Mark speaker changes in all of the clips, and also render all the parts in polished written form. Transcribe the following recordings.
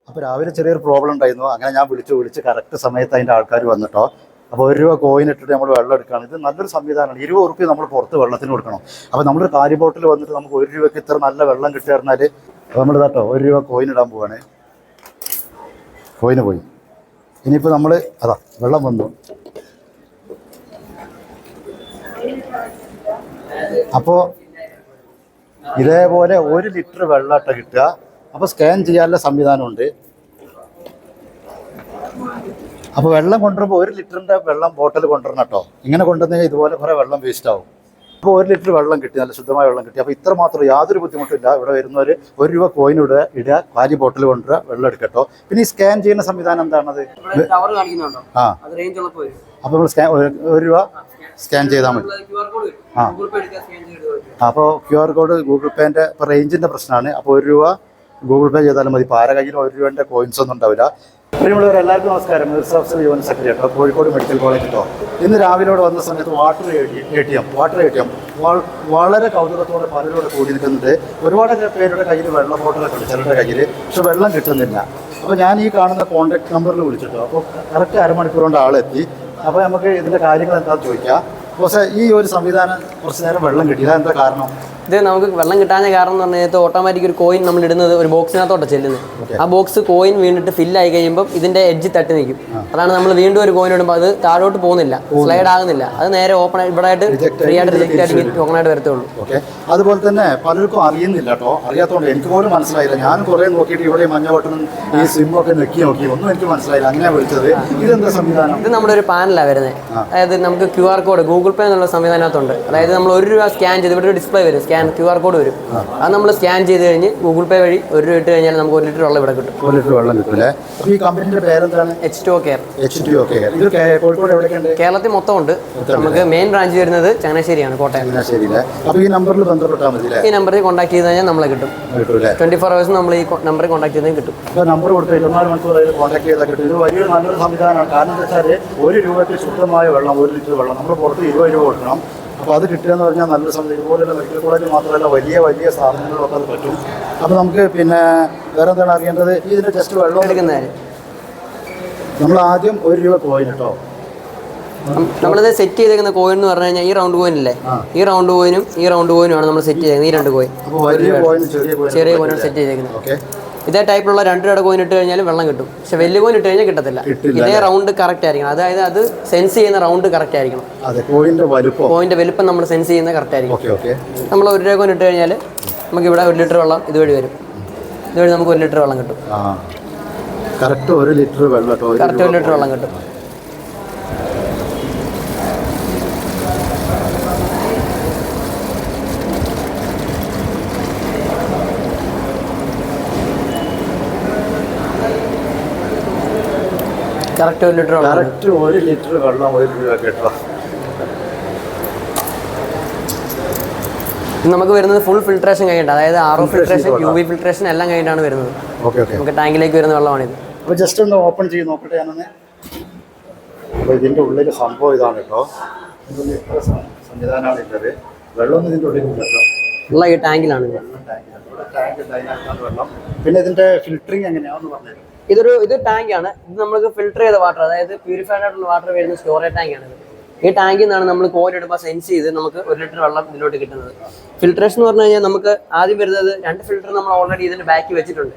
Speaker 1: അപ്പോൾ രാവിലെ ചെറിയൊരു പ്രോബ്ലം ഉണ്ടായിരുന്നു. അങ്ങനെ ഞാൻ വിളിച്ച് കറക്റ്റ് സമയത്ത് അതിൻ്റെ ആൾക്കാർ വന്നിട്ടോ. അപ്പോൾ ₹1 കോയിൻ ഇട്ടിട്ട് നമ്മൾ വെള്ളം എടുക്കുകയാണ്. ഇത് നല്ലൊരു സംവിധാനമാണ്. ₹20 നമ്മൾ പുറത്ത് വെള്ളത്തിന് കൊടുക്കണം. അപ്പോൾ നമ്മളൊരു കാലി ബോട്ടിൽ വന്നിട്ട് നമുക്ക് ₹1 ഇത്ര നല്ല വെള്ളം കിട്ടുക പറഞ്ഞാൽ നമ്മൾ കേട്ടോ ₹1 കോയിൻ ഇടാൻ പോവാണ്. കോയിന് പോയി. ഇനിയിപ്പോൾ നമ്മൾ അതാ വെള്ളം വന്നു. അപ്പോൾ ഇതേപോലെ 1 ലിറ്റർ വെള്ളമായിട്ട് കിട്ടുക. അപ്പോൾ സ്കാൻ ചെയ്യാനുള്ള സംവിധാനമുണ്ട്. അപ്പോൾ വെള്ളം കൊണ്ടുവരുമ്പോൾ 1 ലിറ്ററിൻ്റെ വെള്ളം ബോട്ടിൽ കൊണ്ടുവരണം കേട്ടോ. ഇങ്ങനെ കൊണ്ടുവന്നാൽ ഇതുപോലെ കുറേ വെള്ളം വേസ്റ്റ് ആവും. അപ്പോൾ 1 ലിറ്റർ വെള്ളം കിട്ടി, നല്ല ശുദ്ധമായ വെള്ളം കിട്ടി. അപ്പോൾ ഇത്ര മാത്രം യാതൊരു ബുദ്ധിമുട്ടില്ല. ഇവിടെ വരുന്നവർ ₹1 കോയിൻ ഇടുക, കാലി ബോട്ടിൽ കൊണ്ടുവരിക, വെള്ളം എടുക്കട്ടോ. പിന്നെ ഈ സ്കാൻ ചെയ്യുന്ന സംവിധാനം എന്താണത്? ആ, അപ്പോൾ നമ്മൾ ₹1 സ്കാൻ ചെയ്താൽ മതി. അപ്പോൾ QR കോഡ് ഗൂഗിൾ പേൻ്റെ ഇപ്പോൾ റേഞ്ചിൻ്റെ പ്രശ്നമാണ്. അപ്പോൾ ₹1 ഗൂഗിൾ പേ ചെയ്താലും മതി. ഇപ്പോൾ ആരെ കയ്യിൽ ₹1 കോയിൻസ് ഒന്നും ഉണ്ടാവില്ല. പ്രിയമുള്ളവർ എല്ലാവർക്കും നമസ്കാരം. മിർസാഫ്സൽ യുവൻ സെക്രട്ടറി കേട്ടോ, കോഴിക്കോട് മെഡിക്കൽ കോളേജ് കേട്ടോ. ഇന്ന് രാവിലെ വന്ന സമയത്ത് വാട്ടർ എ ടി എം വളരെ കൗതുകത്തോടെ പലരോട് കൂടി നിൽക്കുന്നുണ്ട്. ഒരുപാട് പേരുടെ കയ്യിൽ വെള്ള ബോട്ടിലൊക്കെ ഉണ്ട്, ചിലരുടെ കയ്യിൽ. പക്ഷെ വെള്ളം കിട്ടുന്നില്ല. അപ്പോൾ ഞാൻ ഈ കാണുന്ന കോൺടാക്ട് നമ്പറിൽ വിളിച്ചിട്ടോ. അപ്പോൾ കറക്റ്റ് അരമണിക്കൂർ കൊണ്ട് ആളെത്തി. അപ്പോൾ നമുക്ക് ഇതിൻ്റെ കാര്യങ്ങൾ എന്താണെന്ന് ചോദിക്കാം. പക്ഷേ ഈ ഒരു സംവിധാനം കുറച്ച് നേരം വെള്ളം കിട്ടിയില്ല, എന്താ കാരണം?
Speaker 2: ഇത് നമുക്ക് വെള്ളം കിട്ടാൻ കാരണം എന്ന് പറഞ്ഞാൽ ഓട്ടോമാറ്റിക് ഒരു കോയിൻ നമ്മൾ ഇടുന്നത് ഒരു ബോക്സിനകത്തോട്ട് ചെല്ലുന്നത്. ആ ബോക്സ് കോയിൻ വീണിട്ട് ഫില്ലായി കഴിയുമ്പോൾ ഇതിന്റെ എഡ്ജ് തട്ടി നിൽക്കും. അതാണ് നമ്മൾ വീണ്ടും ഒരു കോയിൻ ഇടുമ്പോൾ അത് താഴോട്ട് പോകുന്നില്ല, സ്ലൈഡ് ആകുന്നില്ല. അത് നേരെ ഓപ്പൺ ഇവിടെ ആയിട്ട് ഫ്രീ ആയിട്ട് റിജക്റ്റ് ആയിട്ട് ഓപ്പൺ ആയിട്ട് വരത്തുള്ളൂ.
Speaker 1: അതുപോലെ തന്നെ പലർക്കും അറിയുന്നില്ല കേട്ടോ. അറിയാത്തതുകൊണ്ട് എനിക്ക് പോലും മനസ്സിലായില്ല. ഞാൻ കുറേ നോക്കിയിട്ട് ഇവിടെ മഞ്ഞ ബട്ടണും ഈ സിമ്മൊക്കെ നോക്കി ഒന്നും എനിക്ക് മനസ്സിലായില്ല. അങ്ങനെയാണ് വിളിച്ചത്. ഇതെന്താ സംവിധാനം?
Speaker 2: ഇത് നമ്മുടെ ഒരു പാനലാണ് വരുന്നത്. അതായത് നമുക്ക് QR കോഡ് ഗൂഗിൾ പേ എന്നുള്ള സംവിധാനത്തുണ്ട്. അതായത് നമ്മൾ ₹1 സ്കാൻ ചെയ്ത് ഇവിടെ ഒരു ഡിസ്പ്ലേ വരും, QR കോഡ് വരും. അത് നമ്മൾ സ്കാൻ ചെയ്ത് കഴിഞ്ഞ് ഗൂഗിൾ പേ വഴി ₹1 ഇട്ട് കഴിഞ്ഞാൽ നമുക്ക് 1 ലിറ്റർ വെള്ളം ഇവിടെ കിട്ടും.
Speaker 1: 1 ലിറ്റർ വെള്ളം കിട്ടുമല്ലേ? അപ്പോൾ ഈ കമ്പനിയുടെ പേരെന്താണ്?
Speaker 2: H2O Care.
Speaker 1: ഇത് കോഴിക്കോട് എവിടെയൊക്കെയുണ്ട്?
Speaker 2: കേരളത്തിൽ മൊത്തം ഉണ്ട്. നമുക്ക് മെയിൻ ബ്രാഞ്ച് വരുന്നത് ചങ്ങനാശ്ശേരിയാണ്, കോട്ടയം.
Speaker 1: ചങ്ങനാശ്ശേരിയിലെ. അപ്പോൾ ഈ നമ്പറിൽ ബന്ധപ്പെട്ടാൽ മതി.
Speaker 2: ഈ നമ്പറിൽ കോൺടാക്ട് ചെയ്ത് കഴിഞ്ഞാൽ നമ്മളെ കിട്ടും. 24 hours നമ്മൾ ഈ നമ്പറിൽ കോൺടാക്ട് ചെയ്താൽ കിട്ടും.
Speaker 1: ഇപ്പോൾ നമ്പർ കൊടുത്ത് 24 മണിക്കൂർ കോൺടാക്ട് ചെയ്താൽ കിട്ടും. ഇത് വലിയൊരു നല്ലൊരു സംവിധാനമാണ്. കാരണം എന്താ വെച്ചാൽ ₹1 ശുദ്ധമായ വെള്ളം, 1 ലിറ്റർ വെള്ളം നമ്മൾ പുറത്ത് ₹20 കൊടുക്കണം. അപ്പോൾ അത് കിട്ടുക എന്ന് പറഞ്ഞാൽ നല്ലൊരു സംഭവം. ഇതുപോലെയുള്ള മെഡിക്കൽ കോളേജ് മാത്രമല്ല വലിയ സ്ഥാപനങ്ങളിലൊക്കെ അത് പറ്റും. അപ്പോൾ നമുക്ക് പിന്നെ വേറെ എന്താണ് അറിയേണ്ടത്? ഇതിൻ്റെ ജസ്റ്റ് വെള്ളം
Speaker 2: എടുക്കുന്നതിന്
Speaker 1: നമ്മൾ ആദ്യം ₹1 കോയിൻ കേട്ടോ.
Speaker 2: നമ്മളിത് സെറ്റ് ചെയ്തേക്കുന്ന കോയിൻ എന്ന് പറഞ്ഞു കഴിഞ്ഞാൽ ഈ റൗണ്ട് കോയിൻ ഇല്ലേ, ഈ റൗണ്ട് കോയിനും ഈ റൗണ്ട് കോയിനുമാണ് നമ്മൾ സെറ്റ് ചെയ്തേക്കുന്നത്. ഈ 2 കോയിൻ, ചെറിയ കോയിനാണ് സെറ്റ് ചെയ്തേക്കുന്നത്. ഇതേ ടൈപ്പിലുള്ള 2 കോയിൻ ഇട്ട് കഴിഞ്ഞാലും വെള്ളം കിട്ടും. പക്ഷെ വലിയ കോയിൻ ഇട്ട് കഴിഞ്ഞാൽ കിട്ടത്തില്ല. ഇതേ റൗണ്ട് കറക്റ്റ് ആയിരിക്കണം. അതായത് അത് സെൻസ് ചെയ്യുന്ന റൗണ്ട് കറക്റ്റ് ആയിരിക്കണം. കോയിന്റെ വലുപ്പം നമ്മൾ സെൻസ് ചെയ്യുന്നത് കറക്റ്റ് ആയിരിക്കും. നമ്മൾ ₹1 കോയിൻ ഇട്ട് കഴിഞ്ഞാൽ നമുക്ക് ഇവിടെ 1 ലിറ്റർ വെള്ളം ഇതുവഴി വരും. ഇതുവഴി നമുക്ക് 1 ലിറ്റർ വെള്ളം കിട്ടും.
Speaker 1: കറക്റ്റ് 1 ലിറ്റർ വെള്ളം
Speaker 2: കിട്ടും. കറക്റ്റ് 1 ലിറ്റർ
Speaker 1: വെള്ളം ₹1 കേട്ടോ.
Speaker 2: നമുക്ക് വരുന്നത് ഫുൾ ഫിൽട്രേഷൻ കഴിഞ്ഞിട്ട്, അതായത് RO ഫിൽട്രേഷൻ, UV ഫിൽട്രേഷൻ എല്ലാം കഴിഞ്ഞിട്ടാണ് വരുന്നത്. നമുക്ക് ടാങ്കിലേക്ക് വരുന്ന വെള്ളമാണിത്.
Speaker 1: അപ്പോൾ ജസ്റ്റ് ഒന്ന് ഓപ്പൺ ചെയ്ത് നോക്കട്ടെ ഞാനൊന്ന്. അപ്പോൾ ഇതിൻ്റെ ഉള്ളിൽ സംഭവം ഇതാണ് കേട്ടോ. സംവിധാനമാണ് ഉള്ളത്. വെള്ളമൊന്നും ഇതിൻ്റെ ഉള്ളിൽ കേട്ടോ.
Speaker 2: ഉള്ള ഈ ടാങ്കിലാണ്.
Speaker 1: പിന്നെ ഇതിൻ്റെ ഫിൽറ്ററിങ് എങ്ങനെയാണെന്ന് പറഞ്ഞത്?
Speaker 2: ഇത് ടാങ്കാണ്. ഇത് നമുക്ക് ഫിൽറ്റർ ചെയ്ത വാട്ടർ, അതായത് പ്യൂരിഫൈഡ് ആയിട്ടുള്ള വാട്ടർ വരുന്ന സ്റ്റോറേജ് ടാങ്കാണ്. ഈ ടാങ്കിൽ നിന്നാണ് നമ്മൾ കോയിൻ ഇടുമ്പോൾ സെൻസ് ചെയ്ത് നമുക്ക് 1 ലിറ്റർ വെള്ളം ഇതിലോട്ട് കിട്ടുന്നത്. ഫിൽട്രേഷൻ എന്ന് പറഞ്ഞു കഴിഞ്ഞാൽ നമുക്ക് ആദ്യം വരുന്നത് 2 ഫിൽറ്റർ നമ്മൾ ഓൾറെഡി ഇതിന്റെ ബാക്കി വെച്ചിട്ടുണ്ട്.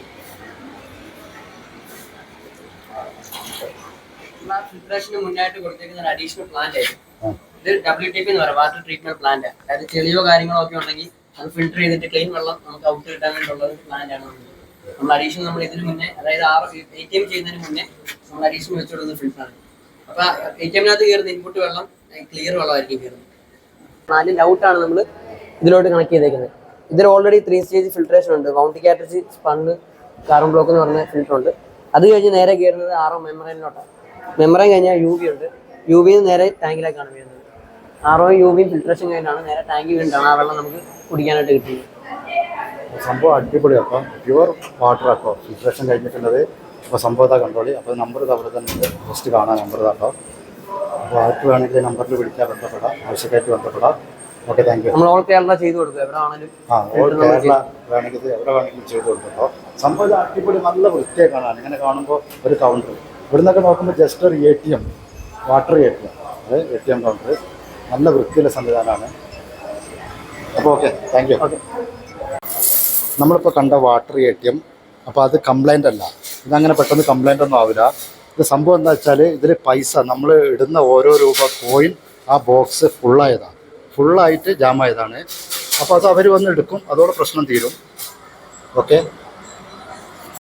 Speaker 2: ഫിൽട്രേഷന് മുന്നായിട്ട് കൊടുത്തേക്കുന്ന ഒരു അഡീഷണൽ പ്ലാന്റ് ആയിരുന്നു. ഇത് WTP എന്ന് പറയും, വാട്ടർ ട്രീറ്റ്മെന്റ് പ്ലാന്റ്. അതായത് ചെളിയോ കാര്യങ്ങളോ ഒക്കെ ഉണ്ടെങ്കിൽ അത് ഫിൽറ്റർ ചെയ്തിട്ട് ക്ലീൻ വെള്ളം നമുക്ക് ഔട്ട് കിട്ടാൻ വേണ്ടിയുള്ള പ്ലാന്റ് ആണ്. നമ്മൾ അഡീഷണൽ നമ്മൾ ഇതിന് മുന്നേ, അതായത് ATM ചെയ്യുന്നതിന് മുന്നേ നമ്മൾ അഡീഷണൽ വെച്ചുകൊടുക്കുന്ന ഫിൽറ്ററാണ്. അപ്പൊ ATMനകത്ത് കയറുന്ന ഇൻപുട്ട് വെള്ളം ക്ലിയർ വെള്ളമായിരിക്കും കയറുന്നത്. 4 ഔട്ടാണ് നമ്മൾ ഇതിലോട്ട് കണക്ട് ചെയ്തേക്കുന്നത്. ഇതിൽ ഓൾറെഡി 3 സ്റ്റേജ് ഫിൽട്രേഷൻ ഉണ്ട്. വൗണ്ടി കാറ്ററിജ്, സ്പണ്ണ്, കാർബൺ ബ്ലോക്ക് എന്ന് പറഞ്ഞ ഫിൽറ്റർ ഉണ്ട്. അത് കഴിഞ്ഞ് നേരെ കയറുന്നത് RO മെമ്പറൈനിലോട്ടാണ്. മെമ്പറൈൻ കഴിഞ്ഞാൽ UV ഉണ്ട്. UV നേരെ ടാങ്കിലേക്കാണ് വരുന്നത്. RO UV ഫിൽട്രേഷൻ കഴിഞ്ഞാണ് നേരെ ടാങ്കിൽ വീണ്ടാണ് ആ വെള്ളം നമുക്ക് കുടിക്കാനായിട്ട് കിട്ടുന്നത്.
Speaker 1: സംഭവം അടിപൊളിയാണ്. അപ്പം പ്യുവർ വാട്ടർ ആട്ടോ ഫിൽട്രേഷൻ കഴിഞ്ഞിട്ടുള്ളത്. അപ്പോൾ സംഭവത്താ കണ്ടോളി. അപ്പോൾ നമ്പർ അവിടെ തന്നെ ജസ്റ്റ് കാണാൻ നമ്പർ കേട്ടോ. അപ്പോൾ ആർക്ക് വേണമെങ്കിൽ നമ്പറിൽ വിളിക്കാൻ ബന്ധപ്പെടാം, ആവശ്യക്കായിട്ട് ബന്ധപ്പെടാം. Okay, thank you.
Speaker 2: നമ്മൾ ഓൾ കേരള ചെയ്ത് കൊടുക്കും, എവിടെ ആണെങ്കിലും.
Speaker 1: ഓൾ കേരള വേണമെങ്കിൽ ഇത് എവിടെ വേണമെങ്കിലും ചെയ്ത് കൊടുക്കുമ്പോൾ സംഭവം അടിപൊളി, നല്ല വൃത്തിയായി കാണാൻ. ഇങ്ങനെ കാണുമ്പോൾ ഒരു കൗണ്ടർ ഇവിടെ നിന്നൊക്കെ നോക്കുമ്പോൾ ജസ്റ്റ് ഒരു ATM, വാട്ടർ ATM, അത് ATM കൗണ്ടർ, നല്ല വൃത്തിയുള്ള സംവിധാനമാണ്. അപ്പോൾ ഓക്കെ, താങ്ക് യു.
Speaker 2: ഓക്കെ,
Speaker 1: നമ്മളിപ്പോൾ കണ്ട വാട്ടർ ATM, അപ്പോൾ അത് കംപ്ലൈൻ്റ് അല്ല, ഇതങ്ങനെ പെട്ടെന്ന് കംപ്ലൈൻ്റ് ഒന്നും ആവില്ല. ഇത് സംഭവം എന്താ വെച്ചാൽ ഇതിൽ പൈസ നമ്മൾ ഇടുന്ന ഓരോ രൂപ കോയിൻ ആ ബോക്സ് ഫുള്ളായിട്ട് ജാമായതാണ്. അപ്പോൾ അത് അവർ വന്ന് എടുക്കും, അതോടെ പ്രശ്നം തീരും. ഓക്കെ.